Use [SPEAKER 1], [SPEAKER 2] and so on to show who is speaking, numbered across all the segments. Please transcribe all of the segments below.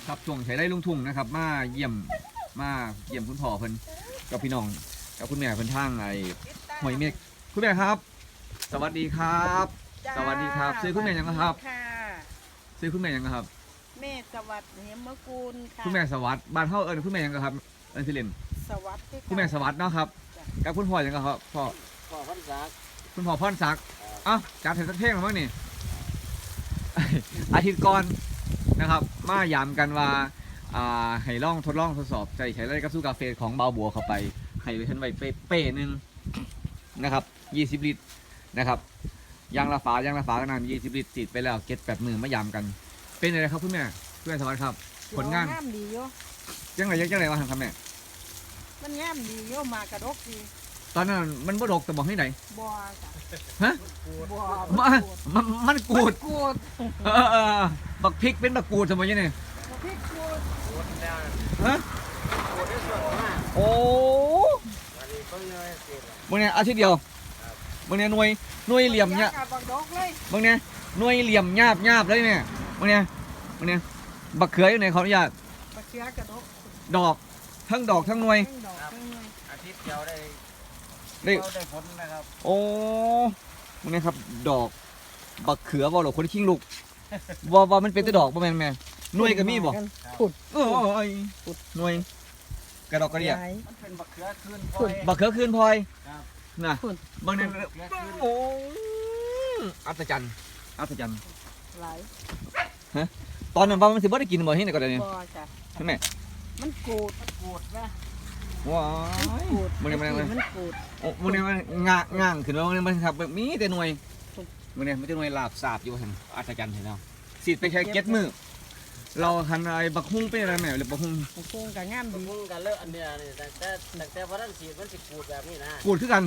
[SPEAKER 1] ครับช่วงใช้ได้ลุงทุ่งนะครับมาเยี่ยมคุณพ่อเพิ่นกับพี่น้องกับคุณแม่เพิ่นทางไอ้หอยเมฆคุณแม่ครับ สวัสดีครับ สวัสดีครับซื้อคุณแม่ยังครับซื้อคุณแม่ยังครับ
[SPEAKER 2] แม่สวัสดิ์เหมกูลค่ะ
[SPEAKER 1] คุณแม่สวัสดิ์บ้านเฮาคุณแม่ยังครับสิเล่น
[SPEAKER 2] สวัสดิ์
[SPEAKER 1] คุณแม่สวัสดิ์เนาะครับกับคุณพ่อยังครับพ่อ
[SPEAKER 3] พรศักดิ์
[SPEAKER 1] คุณพ่อพรศักดิ์อ้าวจัดเห็นสักเพลงหรือเปล่านี่ อาทิตย์ก่อนนะครับมายามกันว่าให้ลองทดลองทดสอบใช้ไรกับสู้กาแฟของเบาบัวเข้าไปให้ไปทันไว้เป้หนึ่งนะครับ20 ลิตรนะครับยางละฝาก็นาน20 ลิตรติดไปแล้วเก็ต8 มือมายามกันเป็นอะไรครับคุณแม่คุณแม่สวัสดิ์ครับผลงาน
[SPEAKER 2] ดีโย
[SPEAKER 1] ยังไงวะครับแม่
[SPEAKER 2] มันงามดีโยมากระดกดี
[SPEAKER 1] ตอนนั้นมันบ่ดกแต่บอกให้ไหน
[SPEAKER 2] บัว
[SPEAKER 1] ฮะมันกูดบักพริกเป็นบักกูดสมัยนี้เนี่ย
[SPEAKER 2] พริกกูด
[SPEAKER 1] ฮะโอ้มึงเนี่ยอาทิตย์เดียวมึงเนี่ยหน่วยเหลี่ยมเนี่ยมึงเนี่ยหน่วยเหลี่ยมหยาบเลยเนี่ยมึงเนี่ยบักเขืออยู่ไหนขออนุญาต
[SPEAKER 2] บักเขือกระดก
[SPEAKER 1] ดอกทั้งดอกทั้งหน่วย
[SPEAKER 3] อาทิตย์เดียว
[SPEAKER 1] ได้
[SPEAKER 3] ผลนะครับ
[SPEAKER 1] โอ้มึงเนี่ยครับดอกบักเขือบ่หรอคนที่ขิงลูกว่ามันเป็นแต่ดอกบ่แม่นแม่หน่วยก็มีบ่
[SPEAKER 2] ขุด
[SPEAKER 1] หน่วยกระดอกกระเดีย
[SPEAKER 3] มันเป็นบักเขือคืนพ
[SPEAKER 1] ลอยบักเขือคืนพลอยนะบางเนี่ยโอ้อัศจรรย์
[SPEAKER 2] หลาย
[SPEAKER 1] ฮะตอนนั้นว่ามันสิบ่ได้กินบ่ที่ไหนก็ได้เนี่ยใช่ไหม
[SPEAKER 2] มันกูดนะ
[SPEAKER 1] ว้ายมัน
[SPEAKER 2] กูด
[SPEAKER 1] โอ้มันง่างขึ้นแล้วมันครับมีแต่หน่วยมันเนี่ยมันจะหน่วยลาบสาบอยู่เห็นอัศจรรย์เห็นแล้วสีดไปแค่7 มือเราคันไอ้บักฮุ้งเป็นอะไรแม่หรือบักฮุ้ง
[SPEAKER 2] กับงาม
[SPEAKER 3] บักฮุ้งกับเลิกอันเนี้ยนี่แต่พอท่านสีดมันสิกูดแบบนี้นะ
[SPEAKER 1] กูดคือกัน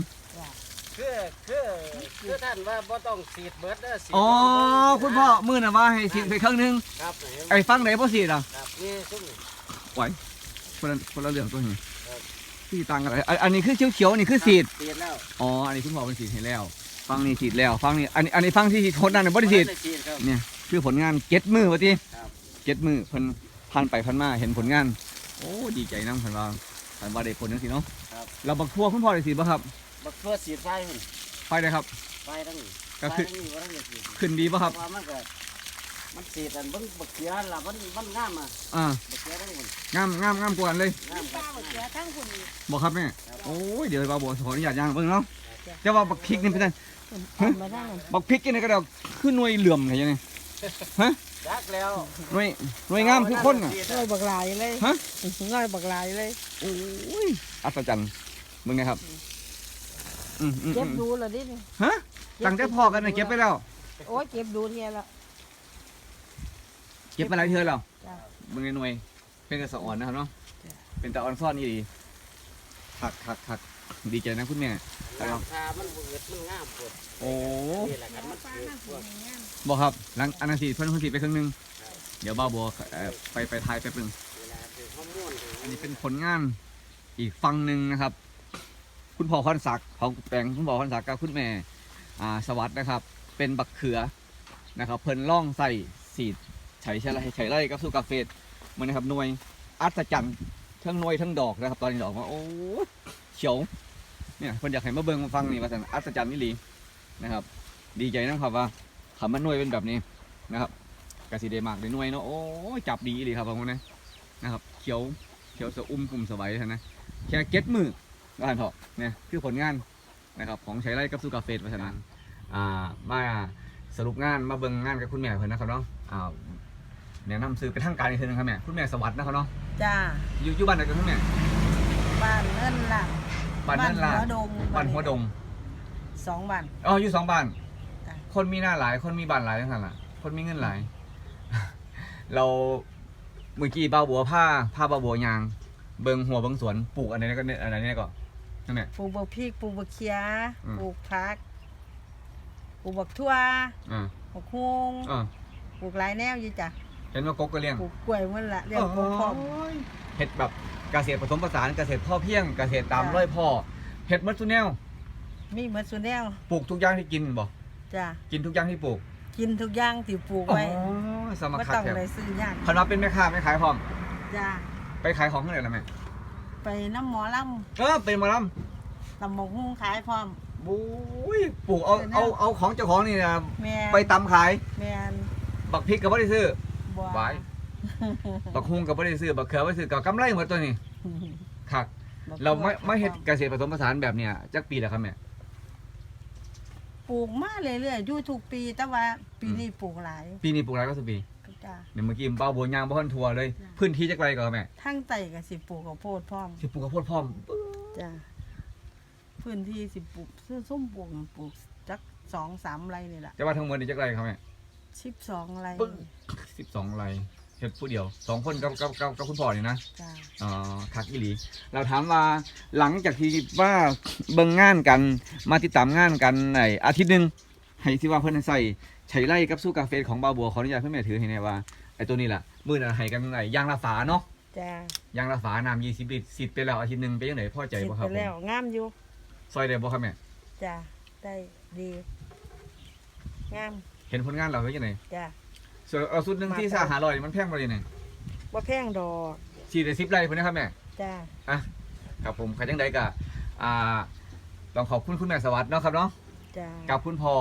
[SPEAKER 3] คือท่านว่าบ่ต้องสีดเบิดเด้อสีด
[SPEAKER 1] อ๋อคุณพ่อมื้อน่ะว่าให้สีดไปครึ่งนึง
[SPEAKER 3] ครับ
[SPEAKER 1] ไอ้ฟังไหนบ่สีดอ่ะ
[SPEAKER 3] ครับนี่ซุ่ม
[SPEAKER 1] ไหวคนละเรื่องตัวนี้ที่ต่างกันอันนี้คือเขียวๆนี่คือสีด
[SPEAKER 3] แล้ว
[SPEAKER 1] อ๋ออันนี้คุณพ่อเป็นสีดให้แล้วฟังนี่สีดแล้วฟังนี่อันนี้ฟังที่ทนนั่นบ่ได้สีดเนี่ยคือผลงาน7 มือว่าติ7 มือเพิ่นผ่านไปผ่านมาเห็นผลงานโอ้ดีใจนำเพิ่นว่าได้ผลจังซี่เนาะเราบักทั่วคุณพ่อได้สีดบ่ครับ
[SPEAKER 3] บักทั่วสีดไฟพุ่น
[SPEAKER 1] ไฟได้ครับ
[SPEAKER 3] ไฟทั้งนี้
[SPEAKER 1] ก็คือขึ้นดีป่ะครับ
[SPEAKER 3] มันสีดอันบักเขือล่ะมันงามอ่ะบักเขือทั้งพุ่น
[SPEAKER 1] งามกว่าเลย
[SPEAKER 2] บักเขือทั้งพุ่น
[SPEAKER 1] บ่ครับแม่โอ้ยเดี๋ยวบ่ขออนุญาตย่างเบิ่งเนาะแต่ว่าบักพริกนี่เป็นจังบักพริกนี่ก็ได้คือหน่วยเหลื่อมไงยังไงฮะ
[SPEAKER 3] จักแล้ว
[SPEAKER 1] หน่วยงามทุกคนน่ะ
[SPEAKER 2] ง่อยบักลายเลย
[SPEAKER 1] ฮะ
[SPEAKER 2] ง่อยบักลายเลย
[SPEAKER 1] โอ้ยอัศจรรย์มึงไงครับ
[SPEAKER 2] เก็บดูเลยดิ
[SPEAKER 1] ฮะตั้งแต่พอกันเก็บไปแล้ว
[SPEAKER 2] โอ้ยเก็บดูเนี่ยละ
[SPEAKER 1] เก็บมาหลายเทื่อแล้วมึงในหน่วยเป็นกระสอ่อนนะครับเนาะเป็นตะออนซ่อนนี่ดีหักดีใจนะคุณแม่
[SPEAKER 3] ราคามันเบิดมันงามปวด
[SPEAKER 1] โอ้
[SPEAKER 3] นี่แหละกันมัน
[SPEAKER 1] บอกครับหลังอันนั้นสีเพิ่นสีไปครึ่งนึงเดี๋ยวบ้าบัวไปทายไปปึงอันนี้เป็นผลงานอีกฝั่งหนึ่งนะครับคุณพ่อพรศักดิ์ของแปลงคุณพ่อพรศักดิ์กับคุณแม่สวัสดิ์นะครับเป็นบักเขือนะครับเพิ่นล่องใส่สีดใช้ไร่กับสู้กาแฟมันนะครับหน่วยอัศจรรย์ทั้งหน่วยทั้งดอกนะครับตอนนี้ดอกมาโอ้เขียวเนี่ยเพิ่นอยากให้มาเบิ่งมาฟังนี่ว่าสันอัศจรรย์นี่ลีนะครับดีใจนะครับว่าคำว่าหน่วยเป็นแบบนี้นะครับกระสีเดมากเลยหน่วยเนาะโอ้จับดีเลยครับผมนะครับเขียวสะกลุ่มสบายนะแค่7 มือก็หันเถอะเนี่ยคือผลงานนะครับของใช้ไร่กับสู้กาแฟเพราะฉะนั้นมาสรุปงานมาเบิ่งงานกับคุณแม่เพิ่นนะครับเนาะแนะนำซื้อไปทางการอีกทีนึงครับแม่คุณแม่สวัสดิ์นะครับเนาะ
[SPEAKER 2] จ้า
[SPEAKER 1] อยู่บ้านไหนกันคุณแม่
[SPEAKER 2] บ้านเนินล่ะ
[SPEAKER 1] บ้านหัวดง
[SPEAKER 2] 2 บ้าน
[SPEAKER 1] อยู่2 บ้านคนมีหน้าหลายคนมีบ้านหลายทั้งนั้นล่ะคนมีเงินหลายเราเมื่อกี้บ้าบัวผ้าบ้าบัวยางเบิ่งหัวเบิ่งสวนปลูกอันนี้ก็อันนี้ก่อนนั่นแหละ
[SPEAKER 2] ปลูกบักพริกปลูกบักเขียปลูกผักปลูกบักทั่วบักฮวงปลูกหลายแนวอยู่จ้ะ
[SPEAKER 1] เห็นว่ากกก็เลี้ยง
[SPEAKER 2] ปลูกกล้วยมันละเลี้ยงกพร้อม
[SPEAKER 1] เห็ดแบบเกษตรผสมผสานเกษตรพ่อเพียงเกษตรตามร้อยพ่อเห็ดมัดซุแนว
[SPEAKER 2] มีมัดซุแนว
[SPEAKER 1] ปลูกทุกอย่างที่กินบ่
[SPEAKER 2] จ้ะ
[SPEAKER 1] กินทุกอย่างที่ปลูก
[SPEAKER 2] กินทุกอย่างที่ปลูกไว้
[SPEAKER 1] สมัค
[SPEAKER 2] บ่
[SPEAKER 1] รคัก
[SPEAKER 2] ต้อง
[SPEAKER 1] แท้
[SPEAKER 2] เลยซื้อยาก
[SPEAKER 1] คันว่าเป็นแม่ค้าไม่ขายพร้อม
[SPEAKER 2] จ้า
[SPEAKER 1] ไปขายของที่ไหนล่ะแม่
[SPEAKER 2] ไปน้ำหมอล
[SPEAKER 1] เป็นหมาล
[SPEAKER 2] ำตำหมกหุ้งขายพร้อม
[SPEAKER 1] ำบุ้ยปลูกเอาของเจ้าของนี่นะ
[SPEAKER 2] แม่น
[SPEAKER 1] ไปตำขาย
[SPEAKER 2] แม่น
[SPEAKER 1] บักพริกก็บ่ได้ซื้อ
[SPEAKER 2] บัว
[SPEAKER 1] ไว้ บักฮุงก็บ่ได้ซื้อบักเขือบ่ได้ซื้อก็กำไรหมดตัวนี้คักเราไม่เฮ็ดเกษตรผสมผสานแบบเนี้ยจักปีแล้วครับแม่
[SPEAKER 2] ปลูกมาเรื่อยๆอยู่ทุกปีแต่ว่าปีนี้ปลูกหลาย
[SPEAKER 1] ปีนี้ปลูกหลายก็สิปี
[SPEAKER 2] จ้า
[SPEAKER 1] เดี๋ยวเมื่อกี้เป้าบัวยางบ่ทันทัวเลย พื้นที่จักไรก็แม่
[SPEAKER 2] ทั้งไตก็สิปลูกข้าวโพดพร้อม
[SPEAKER 1] สิปลูกข้าวโพดพร้อม
[SPEAKER 2] จ้าพื้นที่สิปลูกซื้อส้มปลูกจัก2-3 ไร่นี่แหละ
[SPEAKER 1] จะว่าทั้งหมดนี่จักไรครับแม่
[SPEAKER 2] 12 ไร่
[SPEAKER 1] 12 ไร่เฮ็ดผู้เดียว2คนกับคุณพ่อนี่นะ
[SPEAKER 2] จ้า
[SPEAKER 1] อ๋อคักอีหลีเราถามว่าหลังจากที่ว่าเบิ่งงานกันมาติดตามงานกันในอาทิตย์หนึงให้ที่ว่าเพิ่นใส่ใช้ไล่กับสู้กาแฟของบาวบัวขออนุญาตเพิ่นแม่ถือให้แน่ว่าไอ้ตัวนี้ล่ะมื้อนั้นให้กันไหนยางละฝาเนาะ
[SPEAKER 2] จ้า
[SPEAKER 1] ยางละฝาน้ำ20 ลิตรสิทธิ์ไปแล้วอาทิตย์หนึงเป็นจังไดพอใจบ่ครับ
[SPEAKER 2] ไปแล้วงามอยู่
[SPEAKER 1] ซอยได้บ่ครับแม่
[SPEAKER 2] จ้าได้ดีงาม
[SPEAKER 1] เห็นผลงานเราเป็นจังได
[SPEAKER 2] จ้า
[SPEAKER 1] ส่วนเอาสุดหนึงที่500มันแพงบ่ได้นี่
[SPEAKER 2] บ่แพงดอก
[SPEAKER 1] สิได้10 ไร่พุ่นนะครับแม่
[SPEAKER 2] จ้า
[SPEAKER 1] อ่ะครับผมใครจังใดก็ต้องขอบคุณคุณแม่สวัสดิ์เนาะครับเนาะ
[SPEAKER 2] จ้า
[SPEAKER 1] กับคุณพ่อ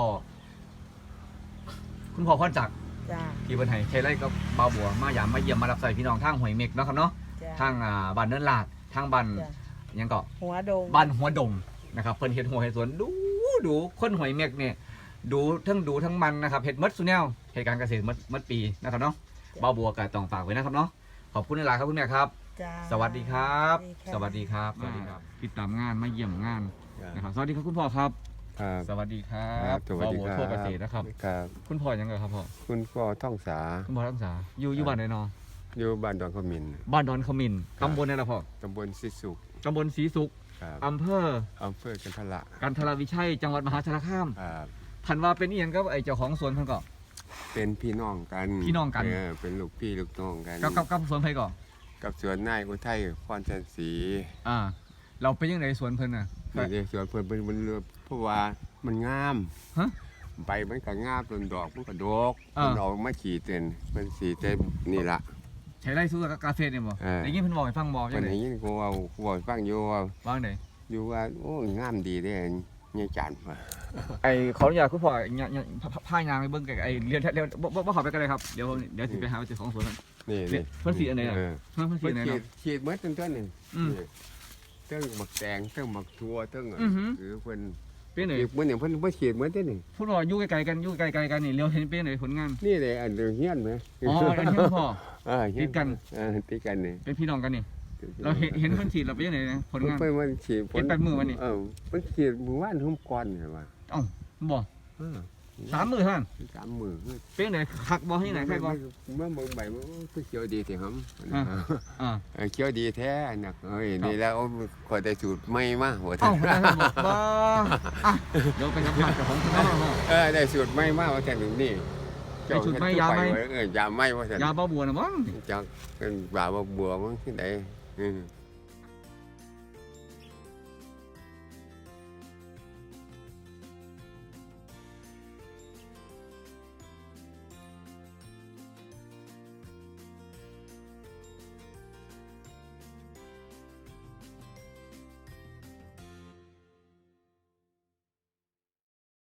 [SPEAKER 1] พรจักร
[SPEAKER 2] จ้า
[SPEAKER 1] ที่เพิ่นให้ใช้ไร่กับบ่าวบัวมาหยามมาเยี่ยมมารับใส่พี่น้องทางห้วยเม็กเนาะครับเนาะ
[SPEAKER 2] จ้า
[SPEAKER 1] ทางบ้านเนินลาดทางบ้าน
[SPEAKER 2] จ้า
[SPEAKER 1] หยังก็
[SPEAKER 2] หัวโดง
[SPEAKER 1] บ้านหัวดงนะครับเพิ่นเฮ็ดหัวเฮ็ดสวนดูคนห้วยเม็กเนี่ยดูทั้งมันนะครับเฮ็ดหมดซุแนวเหตุการณ์เกษตรหมดปีนะครับเนาะบ่าวบัวก็ต้องฝากไว้นะครับเนาะขอบคุณหลายๆครับคุณแม่ครับ
[SPEAKER 2] จ้า
[SPEAKER 1] สวัสดีครับ
[SPEAKER 2] สวัสดีค่ะ
[SPEAKER 1] สวัสดีครับติดตามงานมาเยี่ยมงานนะครับสวัสดีครับคุณพ่อครับ
[SPEAKER 4] ครับ
[SPEAKER 1] สวัสดีครั
[SPEAKER 4] ครับ บสวัสดี
[SPEAKER 1] บ่าว
[SPEAKER 4] ค
[SPEAKER 1] บัว
[SPEAKER 4] รับ
[SPEAKER 1] ทั่วเกษตรนะครับ
[SPEAKER 4] ครับ
[SPEAKER 1] คุณพ่อยังไงครับพ่อ
[SPEAKER 4] คุณพ่อท่องสา
[SPEAKER 1] คุณพ่อรักษาอยู่บ้านไหนเนาะ
[SPEAKER 4] อยู่บ้านดอนขมิน
[SPEAKER 1] บ้านดอนขมิน
[SPEAKER 4] ครับ
[SPEAKER 1] ตำบลอะไรล่ะพ่อ
[SPEAKER 4] ตำบลสิสุข
[SPEAKER 1] ตำบลศรีสุข
[SPEAKER 4] ครับ
[SPEAKER 1] อำเภอ
[SPEAKER 4] อำเภอกันทละ
[SPEAKER 1] กันทรวิชัยจังหวัดมหาสารคาม
[SPEAKER 4] ครับ
[SPEAKER 1] ทันว่าเป็นอีหยังกับไอ้เจ้าของสวนเพิ่นก็
[SPEAKER 4] เป็นพี่น้องกัน
[SPEAKER 1] พี่น้องกัน
[SPEAKER 4] เป็นลูกพี่ลูกน้องกัน
[SPEAKER 1] กับสวนไผก่อน
[SPEAKER 4] กับสวนนายอุทัยพรจันทร์ศรี
[SPEAKER 1] เราเป็นยังไงสวนเพิ่นน่ะ
[SPEAKER 4] นี่สวนเพิ่นเป็นเรือเพราะว่ามันงาม
[SPEAKER 1] ฮะ
[SPEAKER 4] ใบมันก็งามต้นดอกมันก็ดก
[SPEAKER 1] อ่า
[SPEAKER 4] มันออกมาขี่เต็นมันสีเต็มนี่ละ
[SPEAKER 1] ใช้ไร่สู้กับกาแฟเนี่ยบ่
[SPEAKER 4] เออ
[SPEAKER 1] ได้ยินเพิ่นบอกให้ฟังบ่จั
[SPEAKER 4] วั
[SPEAKER 1] ง
[SPEAKER 4] น
[SPEAKER 1] ได๋
[SPEAKER 4] นี้กูเอาฟังอยู่ว่า
[SPEAKER 1] ว่างได๋
[SPEAKER 4] อยู่ว่าโอ้งามดีเด้เนี่ยจันทร์ว่ะ
[SPEAKER 1] ไอ้ขออนุญาตคุณพ่อพายางไปเบิ่งไอ้เรียนบ่เข้าไปกันเลยครับเดี๋ยวสิไปหาเจ้าของสวนเพิ่น
[SPEAKER 4] นี่
[SPEAKER 1] เพิ่นสีอันไหนน่ะ
[SPEAKER 4] เออ
[SPEAKER 1] เพิ่นสีอันไหน
[SPEAKER 4] ฉี
[SPEAKER 1] เนาะ
[SPEAKER 4] ดฉีดเมื่อต้นๆนี่
[SPEAKER 1] อืม
[SPEAKER 4] เติ้งหมักแตงเติ้งหมักทัวเติ้ง
[SPEAKER 1] อือหือ
[SPEAKER 4] คือเพิ่น
[SPEAKER 1] เป็นไหน
[SPEAKER 4] ฉีดเมื่อนี่เพิ่นบ่ฉีดเมื่อต้นนี่
[SPEAKER 1] พูดว่าอยู่ไกลๆกันนี่เลี้ยวเห็นเป็นไหนผลงาน
[SPEAKER 4] นี่เลยอันเดียวเฮียนไหม
[SPEAKER 1] อ๋ออันนี้คุณพ่อ
[SPEAKER 4] เฮีย
[SPEAKER 1] ติดกัน
[SPEAKER 4] ติดกันนี่
[SPEAKER 1] เป็นพี่น้องกันนี่ เราเห็นเพิ่นฉีดเราเป็นยังไงนะผลงาน
[SPEAKER 4] เพิ่นมันฉีด
[SPEAKER 1] เป็นแปดมื้อวะนี่
[SPEAKER 4] เพิ่นฉีดมื้อวานทุ่มก่อนเหรอวะ
[SPEAKER 1] เอ้าบ่3 มื้อเท่านั้น
[SPEAKER 4] 3 มื้อ
[SPEAKER 1] เป็นไหนคักบ่ให้ไหนใครบ่
[SPEAKER 4] เมื่อเบิ่งใบมันก็เขียวดีสิครับ เขียวดีแท้นักเอ้ยนี่แล้วขอได้สูตรใหม่มาโห
[SPEAKER 1] เอ้าได้ครับบ่เดี๋ยวไปสัมภาษณ์กับของคุณพ่อ
[SPEAKER 4] ได้สูตรใหม่มาว่าแต่ถึงนี่
[SPEAKER 1] ได้สูตรใหม่ยาไหม
[SPEAKER 4] ยาไหม่ว่าแต่
[SPEAKER 1] ยาบ่บัวน่ะบ่
[SPEAKER 4] จักเป็นบ่าวบัวมันที่ไหน